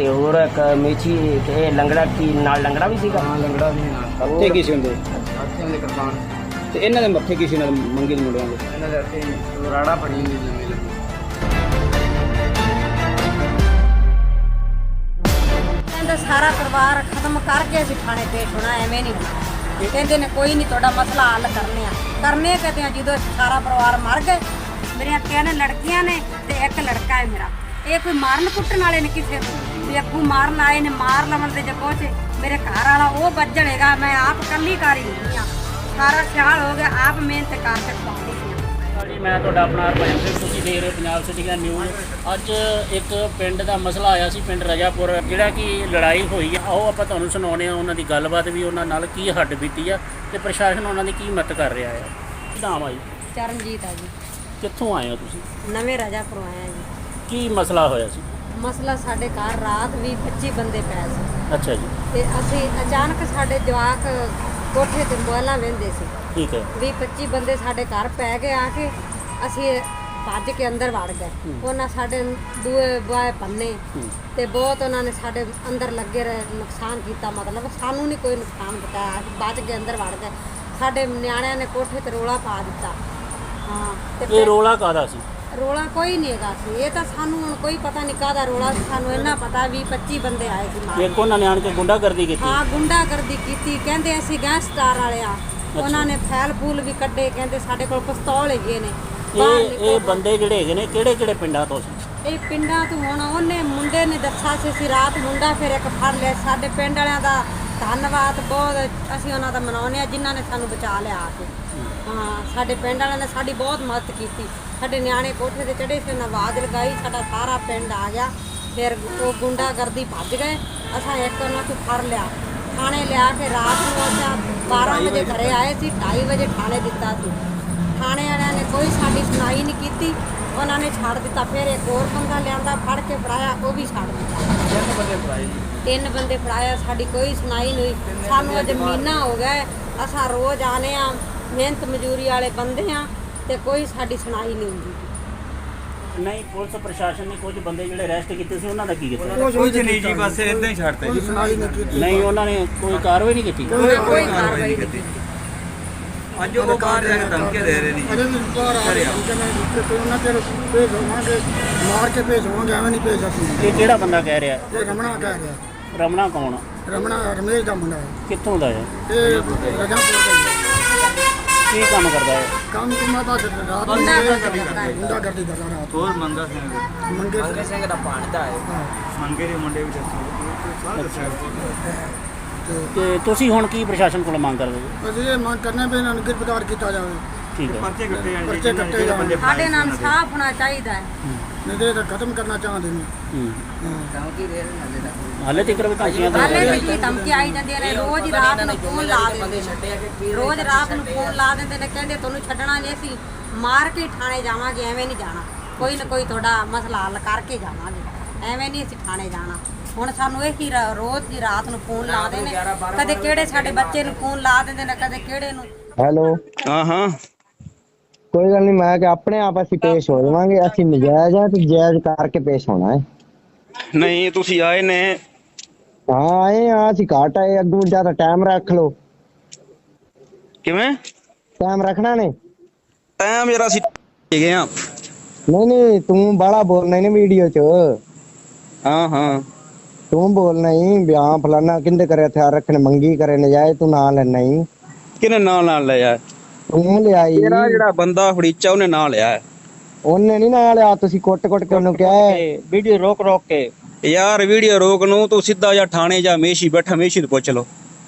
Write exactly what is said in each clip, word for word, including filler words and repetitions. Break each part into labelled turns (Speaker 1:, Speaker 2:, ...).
Speaker 1: ਹੋਰ ਇੱਕ ਮੇਚੀ ਇਹ ਲੰਗੜਾ ਕੀ ਨਾਲ ਲੰਗੜਾ ਵੀ ਸੀਗਾ।
Speaker 2: ਹਾਂ ਲੰਗੜਾ ਵੀ ਨਾਲ
Speaker 3: ਹੱਥੇ ਕੀ ਸੀ ਹੁੰਦੇ
Speaker 2: ਹੱਥਾਂ ਦੇ ਕਿਰਪਾਨ
Speaker 3: ਤੇ ਇਹਨਾਂ ਦੇ ਮੱਥੇ ਕੀ ਸੀ ਨਾਲ ਮੰਗੀ ਦੇ ਮੁੰਡਿਆਂ ਦੇ?
Speaker 2: ਇਹਨਾਂ ਦੇ ਹੱਥੇ ਰਾੜਾ ਫੜੀ ਹੁੰਦੀ ਲੰਮੀ ਲੰਮੀ।
Speaker 4: ਕਹਿੰਦੇ ਸਾਰਾ ਪਰਿਵਾਰ ਖਤਮ ਕਰਕੇ ਅਸੀਂ ਥਾਣੇ ਪੇਸ਼ ਹੋਣਾ, ਐਵੇਂ ਨਹੀਂ ਹੋਣਾ। ਕਹਿੰਦੇ ਨੇ ਕੋਈ ਨਹੀਂ ਤੁਹਾਡਾ ਮਸਲਾ ਹੱਲ ਕਰਨੇ ਆ ਕਰਨੇ ਕਹਤੇ ਆ। ਜਦੋਂ ਸਾਰਾ ਪਰਿਵਾਰ ਮਰ ਗਏ, ਮੇਰੀਆਂ ਤਿੰਨ ਲੜਕੀਆਂ ਨੇ ਤੇ ਇੱਕ ਲੜਕਾ ਹੈ ਮੇਰਾ। ਇਹ ਕੋਈ ਮਾਰਨ ਕੁੱਟਣ ਵਾਲੇ ਨੇ ਕਿਸੇ ਨੂੰ ਵੀ ਅੱਗੂ ਮਾਰਨ ਆਏ ਨੇ, ਮਾਰ ਲਵਣ ਤੇ ਜੇ ਪਹੁੰਚੇ ਮੇਰੇ ਘਰ ਵਾਲਾ ਉਹ ਵੱਜਣੇਗਾ। ਮੈਂ ਆਪ ਕੱਲੀ ਕਾਰੀ ਨਹੀਂ ਆ, ਸਾਰਾ ਖਿਆਲ ਹੋ ਗਿਆ, ਆਪ ਮਿਹਨਤ ਕਰਕੇ ਖਵਾਉਂਦੀ ਸੀ।
Speaker 5: ਜੀ ਮੈਂ ਤੁਹਾਡਾ ਆਪਣਾ ਹਰਭਜਨ ਸਿੰਘ, ਤੁਸੀਂ ਦੇਖ ਰਹੇ ਹੋ ਪੰਜਾਬ ਸਿਟੀ ਦਾ ਨਿਊਜ਼। ਅੱਜ ਇੱਕ ਪਿੰਡ ਦਾ ਮਸਲਾ ਆਇਆ ਸੀ, ਪਿੰਡ ਰਜਾਪੁਰ, ਜਿਹੜਾ ਕਿ ਲੜਾਈ ਹੋਈ ਆ। ਆਓ ਆਪਾਂ ਤੁਹਾਨੂੰ ਸੁਣਾਉਂਦੇ ਹਾਂ ਉਹਨਾਂ ਦੀ ਗੱਲਬਾਤ, ਵੀ ਉਹਨਾਂ ਨਾਲ ਕੀ ਹੱਡ ਬੀਤੀ ਆ ਤੇ ਪ੍ਰਸ਼ਾਸਨ ਉਹਨਾਂ ਦੀ ਕੀ ਮਦਦ ਕਰ ਰਿਹਾ ਆ। ਕੀ ਨਾਮ ਆ ਜੀ?
Speaker 4: ਚਰਨਜੀਤ ਆ ਜੀ,
Speaker 5: ਕਿੱਥੋਂ ਆਏ ਹੋ ਤੁਸੀਂ?
Speaker 4: ਨਵੇਂ ਰਾਜਾਪੁਰ ਆਏ ਆ ਜੀ।
Speaker 5: ਕੀ ਮਸਲਾ ਹੋਇਆ ਸੀ?
Speaker 4: ਮਸਲਾ ਸਾਡੇ ਘਰ ਰਾਤ ਵੀਹ ਪੱਚੀ ਬੰਦੇ ਪਏ ਸੀ
Speaker 5: ਅੱਛਾ ਜੀ,
Speaker 4: ਤੇ ਅਸੀਂ ਅਚਾਨਕ ਸਾਡੇ ਜਵਾਕ ਕੋਠੇ ਤੇ ਮੋਬਾਈਲਾਂ ਵੇਂਦੇ ਸੀ।
Speaker 5: ਠੀਕ ਹੈ।
Speaker 4: ਵੀਹ ਪੱਚੀ ਬੰਦੇ ਸਾਡੇ ਘਰ ਪੈ ਗਏ ਆ ਕੇ, ਅਸੀਂ ਭੱਜ ਕੇ ਅੰਦਰ ਵੜ ਗਏ। ਉਹਨਾਂ ਸਾਡੇ ਦੂਏ ਬੁਆਏ ਪੰਨੇ ਤੇ ਬਹੁਤ ਉਹਨਾਂ ਨੇ ਸਾਡੇ ਅੰਦਰ ਲੱਗੇ ਰਹੇ, ਨੁਕਸਾਨ ਕੀਤਾ। ਮਤਲਬ ਸਾਨੂੰ ਨਹੀਂ ਕੋਈ ਨੁਕਸਾਨ ਪਹੁੰਚਾਇਆ, ਅਸੀਂ ਬਚ ਕੇ ਅੰਦਰ ਵੜ ਗਏ। ਸਾਡੇ ਨਿਆਣਿਆਂ ਨੇ ਕੋਠੇ ਤੇ ਰੋਲਾ ਪਾ ਦਿੱਤਾ। ਹਾਂ ਤੇ
Speaker 5: ਇਹ ਰੋਲਾ ਕਾਹਦਾ ਸੀ?
Speaker 4: ਰੋਲਾ ਕੋਈ ਨਹੀਂ ਹੈਗਾ ਸੀ, ਇਹ ਤਾਂ ਸਾਨੂੰ ਹੁਣ ਕੋਈ ਪਤਾ ਨਹੀਂ ਕਾਹਦਾ ਰੋਲਾ ਸੀ। ਸਾਨੂੰ ਇੰਨਾ ਪਤਾ ਵੀਹ ਪੱਚੀ ਬੰਦੇ ਆਏ ਸੀ ਮਾਰ।
Speaker 5: ਇੱਕ ਉਹਨਾਂ ਨੇ ਆਣ ਕੇ ਗੁੰਡਾਗਰਦੀ ਕੀਤੀ?
Speaker 4: ਹਾਂ ਗੁੰਡਾਗਰਦੀ ਕੀਤੀ। ਕਹਿੰਦੇ ਅਸੀਂ ਗੈਂਗਸਟਰ ਵਾਲੇ ਆ। ਉਹਨਾਂ ਨੇ ਫੈਲ ਫੂਲ ਵੀ ਕੱਢੇ, ਕਹਿੰਦੇ ਸਾਡੇ ਕੋਲ ਪਿਸਤੌਲ ਹੈਗੇ ਨੇ।
Speaker 5: ਇਹ ਇਹ ਬੰਦੇ ਜਿਹੜੇ ਹੈਗੇ ਨੇ ਕਿਹੜੇ ਕਿਹੜੇ ਪਿੰਡਾਂ ਤੋਂ ਸੀ?
Speaker 4: ਇਹ ਪਿੰਡਾਂ ਤੋਂ ਹੁਣ ਉਹਨੇ ਮੁੰਡੇ ਨੇ ਦੱਸਿਆ ਸੀ ਅਸੀਂ ਰਾਤ ਮੁੰਡਾ ਫਿਰ ਇੱਕ ਫੜ ਲਿਆ। ਸਾਡੇ ਪਿੰਡ ਵਾਲਿਆਂ ਦਾ ਧੰਨਵਾਦ ਬਹੁਤ, ਅਸੀਂ ਉਹਨਾਂ ਦਾ ਮਨਾਉਂਦੇ ਆ ਜਿਨ੍ਹਾਂ ਨੇ ਸਾਨੂੰ ਬਚਾ ਲਿਆ ਆ ਕੇ। ਹਾਂ ਸਾਡੇ ਪਿੰਡ ਵਾਲਿਆਂ ਨੇ ਸਾਡੀ ਬਹੁਤ ਮਦਦ ਕੀਤੀ। ਸਾਡੇ ਨਿਆਣੇ ਕੋਠੇ ਤੇ ਚੜੇ ਸੀ, ਉਹਨਾਂ ਆਵਾਜ਼ ਲਗਾਈ, ਸਾਡਾ ਸਾਰਾ ਪਿੰਡ ਆ ਗਿਆ। ਫਿਰ ਉਹ ਗੁੰਡਾਗਰਦੀ ਭੱਜ ਗਏ। ਅਸਾਂ ਇੱਕ ਉਹਨਾਂ ਤੋਂ ਫੜ ਲਿਆ, ਥਾਣੇ ਲਿਆ ਕੇ ਰਾਤ ਨੂੰ ਅਸਾਂ ਬਾਰਾਂ ਵਜੇ ਘਰੇ ਆਏ ਸੀ, ਢਾਈ ਵਜੇ ਥਾਣੇ ਦਿੱਤਾ ਸੀ। ਥਾਣੇ ਵਾਲਿਆਂ ਨੇ ਕੋਈ ਸਾਡੀ ਸੁਣਾਈ ਨਹੀਂ ਕੀਤੀ, ਉਹਨਾਂ ਨੇ ਛੱਡ ਦਿੱਤਾ। ਫਿਰ ਇੱਕ ਹੋਰ ਬੰਦਾ ਲਿਆਂਦਾ, ਫੜ ਕੇ ਫੜਾਇਆ, ਉਹ ਵੀ ਛੱਡ ਦਿੱਤਾ।
Speaker 2: ਤਿੰਨ ਬੰਦੇ ਫੜਾਏ ਜੀ।
Speaker 4: ਤਿੰਨ ਬੰਦੇ ਫੜਾਇਆ, ਸਾਡੀ ਕੋਈ ਸੁਣਾਈ ਨਹੀਂ। ਸਾਨੂੰ ਅੱਜ ਮਹੀਨਾ ਹੋ ਗਿਆ, ਅਸਾਂ ਰੋਜ਼ ਆਨੇ ਆ, ਮਿਹਨਤ ਮਜ਼ਦੂਰੀ ਵਾਲੇ ਬੰਦੇ ਆ ਤੇ ਕੋਈ ਸਾਡੀ ਸੁਣਾਈ ਨਹੀਂ ਹੁੰਦੀ।
Speaker 5: ਨਹੀਂ, ਪੁਲਿਸ ਪ੍ਰਸ਼ਾਸਨ ਨੇ ਕੁਝ ਬੰਦੇ ਜਿਹੜੇ ਅਰੈਸਟ ਕੀਤੇ ਸੀ ਉਹਨਾਂ ਦਾ ਕੀ ਕੀਤਾ?
Speaker 2: ਕੁਝ ਨਹੀਂ ਜੀ, ਬਸ ਇਦਾਂ ਹੀ ਛੱਡਤੇ ਜੀ। ਸੁਣਾਈ ਨਹੀਂ ਕੀਤੀ।
Speaker 5: ਨਹੀਂ, ਉਹਨਾਂ ਨੇ ਕੋਈ ਕਾਰਵਾਈ ਨਹੀਂ ਕੀਤੀ?
Speaker 4: ਕੋਈ ਕਾਰਵਾਈ ਨਹੀਂ ਕੀਤੀ।
Speaker 2: ਅੱਜ ਉਹ ਬਾਹਰ ਜਾ ਕੇ ਧਮਕੀਆਂ ਦੇ ਰਹੇ ਨੇ ਜੀ।
Speaker 6: ਅਜੇ ਵੀ ਬਾਹਰ ਆ ਰਹੇ ਨੇ ਕਿ ਉਹਨਾਂ ਚਿਰ ਭੇਜ ਹੋਵਾਂਗੇ, ਮਾਰ ਕੇ ਭੇਜ ਹੋਵਾਂਗੇ, ਐਵੇਂ ਨਹੀਂ ਭੇਜ ਸਕਦੇ।
Speaker 5: ਇਹ ਕਿਹੜਾ ਬੰਦਾ ਕਹਿ ਰਿਹਾ?
Speaker 6: ਇਹ ਰਮਣਾ ਕਹਿ ਰਿਹਾ।
Speaker 5: ਰਮਣਾ ਕੌਣ ਆ?
Speaker 6: ਰਮਣਾ ਰਮੇਸ਼ ਦਾ ਮੁੰਡਾ ਹੈ।
Speaker 5: ਕਿੱਥੋਂ ਦਾ ਹੈ?
Speaker 6: ਇਹ ਰਜਾਪੁਰ ਦਾ ਹੀ ਹੈ।
Speaker 5: ਕੀ ਕੰਮ ਕਰਦਾ ਹੈ?
Speaker 6: ਕੰਮ ਕੁਮਾ ਦਾ ਰਾਤ ਨੂੰ
Speaker 4: ਗੁੰਡਾਗਰਦੀ ਕਰਦਾ ਹੈ।
Speaker 6: ਗੁੰਡਾਗਰਦੀ ਕਰਦਾ ਰਾਤ
Speaker 2: ਹੋਰ ਮੰਗਾ ਸਿੰਘ
Speaker 6: ਮੰਗੇ
Speaker 2: ਮੰਗੇ ਸਿੰਘ ਦਾ ਭਾਣਜਾ ਹੈ। ਮੰਗੇ ਦੇ ਮੁੰਡੇ ਵੀ ਦੱਸੋ।
Speaker 5: ਤੇ ਤੁਸੀਂ ਹੁਣ ਕੀ ਪ੍ਰਸ਼ਾਸਨ ਕੋਲ ਮੰਗ ਕਰਦੇ ਹੋ?
Speaker 6: ਅਸੀਂ ਇਹ ਮੰਗ ਕਰਨੇ ਵੀ ਇਹਨਾਂ ਨੂੰ ਗ੍ਰਿਫਤਾਰ ਕੀਤਾ ਜਾਵੇ।
Speaker 5: ਠੀਕ ਹੈ।
Speaker 2: ਪਰਚੇ ਕੱਟੇ ਆ ਜੀ,
Speaker 6: ਪਰਚੇ ਕੱਟੇ ਜਾਣ।
Speaker 4: ਸਾਡੇ ਨਾਲ ਇਨਸਾਫ ਹੋਣਾ ਚਾਹੀਦਾ ਹੈ।
Speaker 6: ਨਹੀਂ ਤੇ ਇਹ ਤਾਂ ਖਤਮ ਕਰਨਾ ਚਾਹੁੰਦੇ ਨੇ।
Speaker 5: ਹੂੰ,
Speaker 2: ਧਮਕੀ ਦੇ ਰਹੇ ਨੇ
Speaker 5: ਹਾਲੇ ਤੱਕ ਵੀ ਧਮਕੀਆਂ ਦੇ
Speaker 4: ਹਾਲੇ
Speaker 5: ਰਹੇ
Speaker 4: ਵੀ ਧਮਕੀ ਆਈ ਜਾਂਦੀਆਂ ਨੇ। ਰੋਜ਼ ਹੀ ਰਾਤ ਨੂੰ ਫੋਨ ਲਾ ਦਿੰਦੇ ਨੇ, ਰੋਜ਼ ਰਾਤ ਨੂੰ ਫੋਨ ਲਾ ਦਿੰਦੇ ਨੇ, ਕਹਿੰਦੇ ਤੁਹਾਨੂੰ ਛੱਡਣਾ ਨਹੀਂ, ਅਸੀਂ ਮਾਰ ਕੇ ਥਾਣੇ ਜਾਵਾਂਗੇ, ਐਵੇਂ ਨਹੀਂ ਜਾਣਾ। ਕੋਈ ਨਾ ਕੋਈ ਤੁਹਾਡਾ ਮਸਲਾ ਹੱਲ ਕਰਕੇ ਜਾਵਾਂਗੇ, ਐਵੇਂ ਨਹੀਂ ਅਸੀਂ ਥਾਣੇ ਜਾਣਾ। ਹੁਣ ਸਾਨੂੰ ਇਹੀ ਰ- ਰੋਜ਼ ਦੀ ਰਾਤ ਨੂੰ ਫੋਨ ਲਾ ਦਿੰਦੇ ਨੇ, ਕਦੇ ਕਿਹੜੇ ਸਾਡੇ ਬੱਚੇ ਨੂੰ ਫੋਨ ਲਾ ਦਿੰਦੇ ਨੇ, ਕਦੇ ਕਿਹੜੇ ਨੂੰ।
Speaker 1: ਹੈਲੋ,
Speaker 3: ਹਾਂ ਹਾਂ,
Speaker 1: ਕੋਈ ਗੱਲ ਨਹੀਂ, ਮੈਂ ਕਿ ਆਪਣੇ ਆਪ ਅਸੀਂ ਪੇਸ਼ ਹੋ ਜਾਵਾਂਗੇ। ਅਸੀਂ ਨਜਾਇਜ਼ ਆ ਤੇ ਜਾਇਜ਼ ਕਰਕੇ ਪੇਸ਼ ਹੋਣਾ ਹੈ।
Speaker 3: ਨਹੀਂ ਤੁਸੀਂ ਆਏ ਨੇ?
Speaker 1: ਹਾਂ ਆਏ ਆ, ਅਸੀਂ ਘਾਟ ਆਏ। ਅੱਗੋਂ ਜਿਆਦਾ ਟਾਈਮ ਰੱਖ ਲਓ।
Speaker 3: ਕਿਵੇਂ
Speaker 1: ਟਾਈਮ ਰੱਖਣਾ ਨੇ?
Speaker 3: ਟਾਈਮ ਯਾਰ ਅਸੀਂ ਗਏ ਆ।
Speaker 1: ਨਹੀਂ ਨਹੀਂ, ਤੂੰ ਬਾਹਲਾ ਬੋਲਣਾ ਨਹੀਂ ਵੀਡੀਓ ਚ।
Speaker 3: ਹਾਂ ਹਾਂ,
Speaker 1: ਤੂੰ ਬੋਲਣਾ ਹੀ ਬਿਆਨ ਫਲਾਨਾ ਕਿੰਦੇ ਕਰੇ ਹਥਿਆਰ ਰੱਖਣੇ, ਮੰਗੀ ਕਰੇ ਨਜਾਇਜ਼, ਤੂੰ ਨਾਂ ਲੈਣਾ ਹੀ।
Speaker 3: ਕਿਹਨੇ ਨਾਂ ਨਾਲ ਲਿਆ?
Speaker 1: ਤੂੰ ਲਿਆਈ।
Speaker 3: ਤੇਰਾ ਜਿਹੜਾ ਬੰਦਾ ਫੜੀਚਾ ਉਹਨੇ ਨਾਂ ਲਿਆ।
Speaker 1: ਉਹਨੇ ਨਹੀਂ ਨਾਂ ਲਿਆ, ਤੁਸੀਂ ਕੁੱਟ ਕੁੱਟ ਕੇ ਉਹਨੂੰ ਕਿਹਾ ਵੀਡੀਓ ਰੋਕ ਰੋਕ ਕੇ।
Speaker 3: ਯਾਰ ਵੀਡੀਓ ਰੋਕ ਨੂੰ ਤੂੰ ਸਿੱਧਾ ਜਾਂ ਥਾਣੇ ਜਾ, ਮੇਸ਼ੀ ਬੈਠਾ, ਮੇਸ਼ੀ ਤੋਂ ਪੁੱਛ ਲੋ।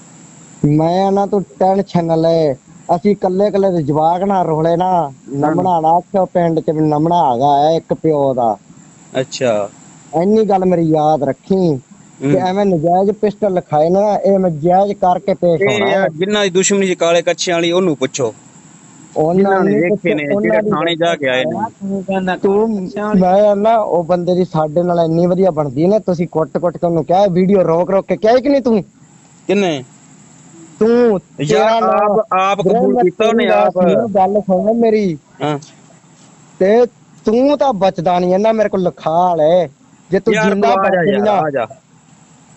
Speaker 1: ਮੈਂ ਨਾ ਤੂੰ ਟੈਨਸ਼ਨ ਨਾ ਲੈ, ਅਸੀਂ ਕੱਲੇ ਕੱਲੇ ਦੇ ਜਵਾਕ ਨਾ ਰੋਲੇ ਨਾ। ਨਮਣਾ ਨਾ ਆਖਿਓ ਪਿੰਡ ਚ ਵੀ ਨਮਣਾ ਹੈਗਾ ਹੈ ਇੱਕ ਪਿਓ ਦਾ।
Speaker 3: ਅੱਛਾ,
Speaker 1: ਇੰਨੀ ਗੱਲ ਮੇਰੀ ਯਾਦ ਰੱਖੀ ਕਿ ਐਵੇਂ ਨਜਾਇਜ਼ ਪਿਸਟਲ ਲਿਖਾਏ ਨਾ, ਇਹ ਮੈਂ ਜਾਇਜ਼ ਕਰਕੇ ਪੇਸ਼ ਹੋਣਾ।
Speaker 3: ਇਹ ਜਿਨ੍ਹਾਂ ਦੀ ਦੁਸ਼ਮਣੀ ਸੀ ਕਾਲੇ ਕੱਛਿਆਂ ਵਾਲੀ, ਉਹਨੂੰ ਪੁੱਛੋ।
Speaker 1: ਉਹਨਾਂ ਨੇ
Speaker 3: ਦੇਖੇ ਨੇ ਜਿਹੜੇ ਥਾਣੇ ਜਾ ਕੇ ਆਏ ਨੇ।
Speaker 1: ਤੂੰ ਮੈਂ ਨਾ ਉਹ ਬੰਦੇ ਦੀ ਸਾਡੇ ਨਾਲ ਇੰਨੀ ਵਧੀਆ ਬਣਦੀ ਨੇ, ਤੁਸੀਂ ਕੁੱਟ ਕੁੱਟ ਕੇ ਉਹਨੂੰ ਕਿਹਾ ਵੀਡੀਓ ਰੋਕ ਰੋਕ ਕੇ ਕਿਹਾ ਕਿ ਨਹੀਂ? ਤੂੰ
Speaker 3: ਕਿੰਨੇ?
Speaker 1: ਤੂੰ
Speaker 3: ਯਾਰ ਆਪ ਆਪ ਕਬੂਲ ਕੀਤਾ ਉਹਨੇ ਆਪ।
Speaker 1: ਗੱਲ ਸੁਣ ਮੇਰੀ।
Speaker 3: ਹਾਂ,
Speaker 1: ਤੇ ਤੂੰ ਤਾਂ ਬਚਦਾ ਨਹੀਂ, ਇਹਨਾਂ ਮੇਰੇ ਕੋਲ ਲਿਖਾ ਲੈ। ਜੇ ਤੂੰ
Speaker 3: ਯਾਰ
Speaker 1: ਜਿੰਦਾ
Speaker 3: ਆ ਜਾ
Speaker 1: ਬਚ
Speaker 3: ਯਾਰ,
Speaker 1: ਨਾ,
Speaker 3: ਆ ਜਾ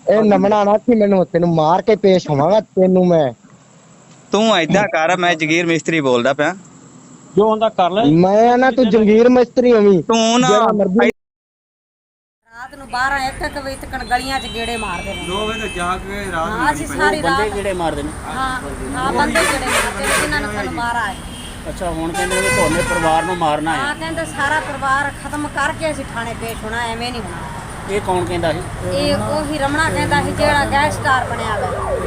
Speaker 1: ਇਹ ਨਮਣਾ ਨਾ ਕਿ ਮੈਨੂੰ ਤੈਨੂੰ ਮਾਰ ਕੇ ਪੇਸ਼ ਹੋਵਾਂਗਾ ਤੈਨੂੰ ਮੈਂ।
Speaker 3: ਤੂੰ ਏਦਾਂ ਕਰ, ਮੈਂ ਜਗੀਰ ਮਿਸਤਰੀ ਬੋਲਦਾ ਪਿਆ।
Speaker 7: ਜੋ ਹੁੰਦਾ ਕਰ ਲੈ।
Speaker 1: ਮੈਂ ਨਾ ਤੂੰ ਜੰਗੀਰ ਮਿਸਤਰੀ ਹੋਵੀਂ
Speaker 3: ਤੂੰ ਨਾ
Speaker 1: ਜਿਹੜਾ ਮਰਜ਼ੀ
Speaker 4: ਰਾਤ ਨੂੰ ਬਾਰਾਂ ਇੱਕ ਇੱਕ ਵਜੇ ਤੱਕ ਗਲੀਆਂ 'ਚ ਗੇੜੇ ਮਾਰਦੇ ਨੇ।
Speaker 2: ਦੋ ਵਜੇ ਤੋਂ ਜਾਗ ਕੇ ਰਾਤ
Speaker 4: ਹਾਂ ਅਸੀਂ ਸਾਰੀ
Speaker 5: ਬੰਦੇ
Speaker 4: ਰਾਤ
Speaker 5: ਜਿਹੜੇ ਮਾਰਦੇ ਨੇ।
Speaker 4: ਹਾਂ ਹਾਂ ਬੰਦੇ ਗੇੜੇ ਮਾਰਦੇ ਨੇ ਜਿਨ੍ਹਾਂ ਨੇ ਸਾਨੂੰ ਮਾਰਾ ਹੈ।
Speaker 5: ਅੱਛਾ ਹੁਣ ਕਹਿੰਦੇ ਵੀ ਤੁਹਾਡੇ ਪਰਿਵਾਰ ਨੂੰ ਮਾਰਨਾ
Speaker 4: ਹਾਂ
Speaker 5: ਹੈ।
Speaker 4: ਕਹਿੰਦੇ ਸਾਰਾ ਪਰਿਵਾਰ ਖਤਮ ਕਰਕੇ ਅਸੀਂ ਥਾਣੇ ਪੇਸ਼ ਹੋਣਾ, ਐਵੇਂ ਨਹੀਂ ਹੋਣਾ।
Speaker 5: ਇਹ ਕੌਣ ਕਹਿੰਦਾ ਸੀ?
Speaker 4: ਇਹ ਉਹੀ ਰਮਣਾ ਕਹਿੰਦਾ ਸੀ ਜਿਹੜਾ ਗੈਸ ਸਟਾਰ ਬਣਿਆ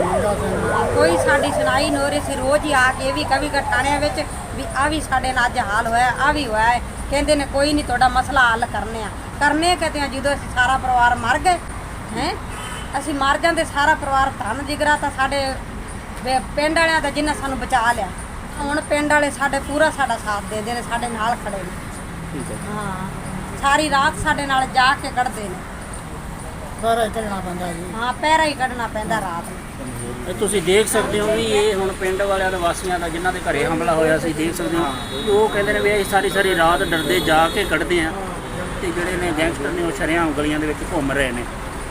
Speaker 4: ਵਾ। ਕੋਈ ਸਾਡੀ ਸੁਣਾਈ ਨਹੀਂ ਹੋ ਰਹੀ ਸੀ। ਰੋਜ਼ ਹੀ ਆ ਕੇ ਇਹ ਵੀ ਕਵੀ ਥਾਣਿਆਂ ਵਿੱਚ ਵੀ ਆ ਵੀ ਸਾਡੇ ਨਾਲ ਅੱਜ ਹਾਲ ਹੋਇਆ, ਆ ਵੀ ਹੋਇਆ ਹੈ। ਕਹਿੰਦੇ ਨੇ ਕੋਈ ਨਹੀਂ ਤੁਹਾਡਾ ਮਸਲਾ ਹੱਲ ਕਰਨੇ ਆ ਕਰਨੇ ਕਹਿੰਦੇ ਆ। ਜਦੋਂ ਅਸੀਂ ਸਾਰਾ ਪਰਿਵਾਰ ਮਰ ਗਏ ਹੈ, ਅਸੀਂ ਮਰ ਜਾਂਦੇ ਸਾਰਾ ਪਰਿਵਾਰ ਧੰਨ ਜਿਗਰਾ ਤਾਂ ਸਾਡੇ ਵੇ- ਪਿੰਡ ਵਾਲਿਆਂ ਦਾ ਜਿੰਨਾ ਸਾਨੂੰ ਬਚਾ ਲਿਆ। ਹੁਣ ਪਿੰਡ ਵਾਲੇ ਸਾਡੇ ਪੂਰਾ ਸਾਡਾ ਸਾਥ ਦਿੰਦੇ ਨੇ, ਸਾਡੇ ਨਾਲ ਖੜੇ ਨੇ।
Speaker 5: ਠੀਕ ਹੈ।
Speaker 4: ਹਾਂ ਸਾਰੀ ਰਾਤ ਸਾਡੇ ਨਾਲ ਜਾ ਕੇ ਕੱਢਦੇ ਨੇ।
Speaker 6: ਸਾਰਾ ਹੀ ਕੱਢਣਾ ਪੈਂਦਾ ਜੀ।
Speaker 4: ਹਾਂ ਪਹਿਰਾ ਹੀ ਕੱਢਣਾ ਪੈਂਦਾ ਰਾਤ ਨੂੰ।
Speaker 5: ਇਹ ਤੁਸੀਂ ਦੇਖ ਸਕਦੇ ਹੋ ਵੀ ਇਹ ਹੁਣ ਪਿੰਡ ਵਾਲਿਆਂ ਦੇ ਵਾਸੀਆਂ ਦਾ ਜਿਨ੍ਹਾਂ ਦੇ ਘਰੇ ਹਮਲਾ ਹੋਇਆ ਸੀ, ਦੇਖ ਸਕਦੇ ਹੋ ਵੀ ਉਹ ਕਹਿੰਦੇ ਨੇ ਵੀ ਅਸੀਂ ਸਾਰੀ ਸਾਰੀ ਰਾਤ ਡਰਦੇ ਜਾ ਕੇ ਕੱਢਦੇ ਆ, ਤੇ ਜਿਹੜੇ ਨੇ ਗੈਂਗਸਟਰ ਨੇ ਉਹ ਸ਼ਰੇਆਮ ਗਲੀਆਂ ਦੇ ਵਿੱਚ ਘੁੰਮ ਰਹੇ ਨੇ।